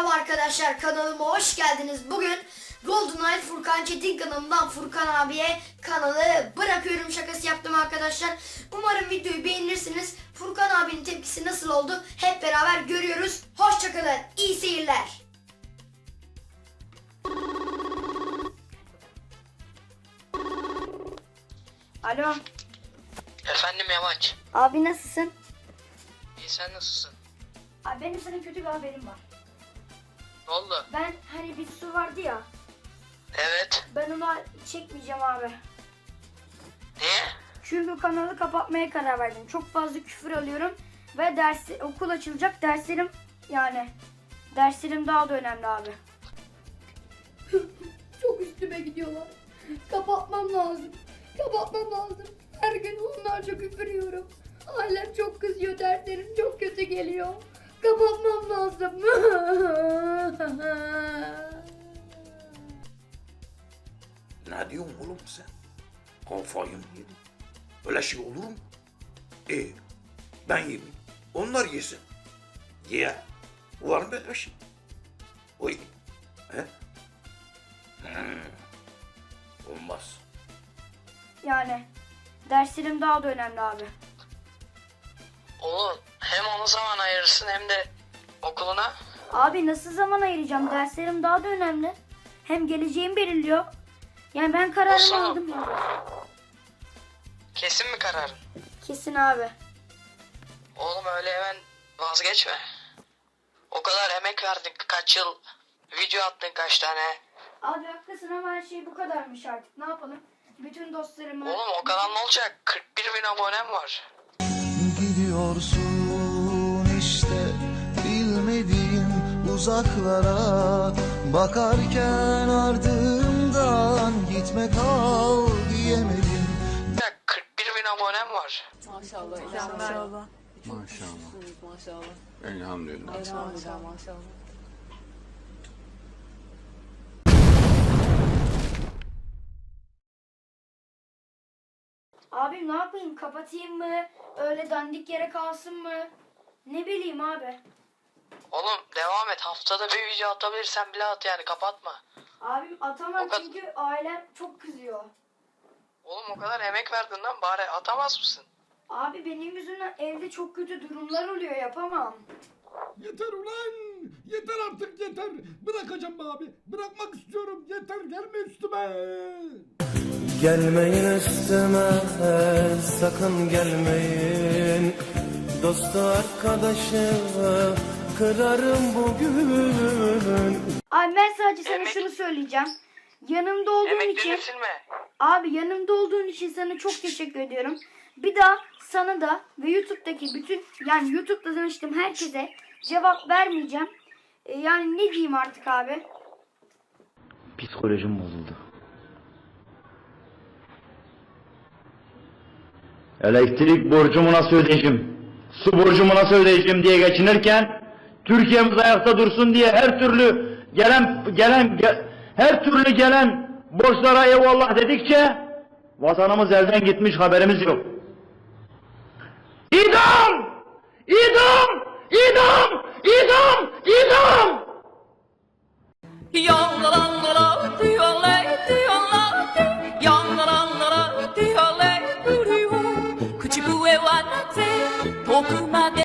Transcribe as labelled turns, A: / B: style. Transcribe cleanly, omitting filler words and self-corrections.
A: Merhaba arkadaşlar, kanalıma hoş geldiniz. Bugün GoldenEye Furkan Çetin kanalından Furkan abiye kanalı bırakıyorum şakası yaptım arkadaşlar. Umarım videoyu beğenirsiniz. Furkan abinin tepkisi nasıl oldu hep beraber görüyoruz. Hoşçakalın, iyi seyirler. Alo.
B: Efendim Yamaç.
A: Abi nasılsın?
B: İyi, sen nasılsın?
A: Abi benim sana kötü bir haberim var.
B: Ne oldu?
A: Ben hani bir su vardı ya.
B: Evet.
A: Ben onu çekmeyeceğim abi.
B: Niye?
A: Çünkü kanalı kapatmaya karar verdim. Çok fazla küfür alıyorum ve okul açılacak. Derslerim daha da önemli abi. Çok üstüme gidiyorlar. Kapatmam lazım. Her gün onlarca küfür yiyorum. Ailem çok kızıyor. Derslerim çok kötü geliyor. Kapatmam lazım.
C: Ne diyorsun oğlum sen? Kafayı mı yedin? Öyle şey olur mu? Ben yemeyeyim. Onlar yesin. Ye. Var mı öyle şey? Oy. He? Olmaz.
A: Yani derslerim daha da önemli abi.
B: Oğlum hem ona zaman ayırırsın hem de okuluna.
A: Abi nasıl zaman ayıracağım? Derslerim daha da önemli. Hem geleceğim belirliyor. Yani ben kararımı
B: Olsun.
A: aldım ya.
B: Kesin mi kararın?
A: Kesin abi.
B: Oğlum öyle hemen vazgeçme. O kadar emek verdin, kaç yıl video attın, kaç tane.
A: Abi haklısın ama her şey bu kadarmış artık. Ne yapalım? Bütün dostlarımı...
B: Oğlum o kadar ne olacak? 41 bin abonem var.
D: Gidiyorsun işte bilmediğim uzaklara, bakarken ardımdan gitme kal diyemedim.
B: 41 bin abonem var.
E: Maşallah. Maşallah.
C: Elhamdülillah.
E: Maşallah.
A: Abi ne yapayım? Kapatayım mı? Öyle dandik yere kalsın mı? Ne bileyim abi.
B: Oğlum devam et. Haftada bir video atabilirsen bile at, yani kapatma.
A: Abim atamam
B: O kadar-
A: çünkü ailem çok kızıyor.
B: Oğlum o kadar emek verdin lan, bari atamaz mısın?
A: Abi benim yüzümden evde çok kötü durumlar oluyor, yapamam.
F: Yeter ulan! Yeter artık yeter! Bırakacağım be abi! Bırakmak istiyorum! Yeter gelme üstüme!
D: Gelmeyin üstüme, sakın gelmeyin. Dostu arkadaşı kırarım bugün.
A: Abi ben sadece sana
B: Emek-
A: şunu söyleyeceğim. Yanımda olduğun için...
B: Emeklerini silme.
A: Abi yanımda olduğun için sana çok teşekkür ediyorum. Bir daha sana da ve YouTube'daki bütün YouTube'da tanıştığım herkese cevap vermeyeceğim. Yani ne diyeyim artık abi?
G: Psikolojim bozuldu. Elektrik borcumu nasıl ödeyeceğim? Su borcumu nasıl ödeyeceğim diye geçinirken Türkiye'miz ayakta dursun diye her türlü gelen borçlara eyvallah dedikçe vatanımız elden gitmiş, haberimiz yok. İdam! İdam!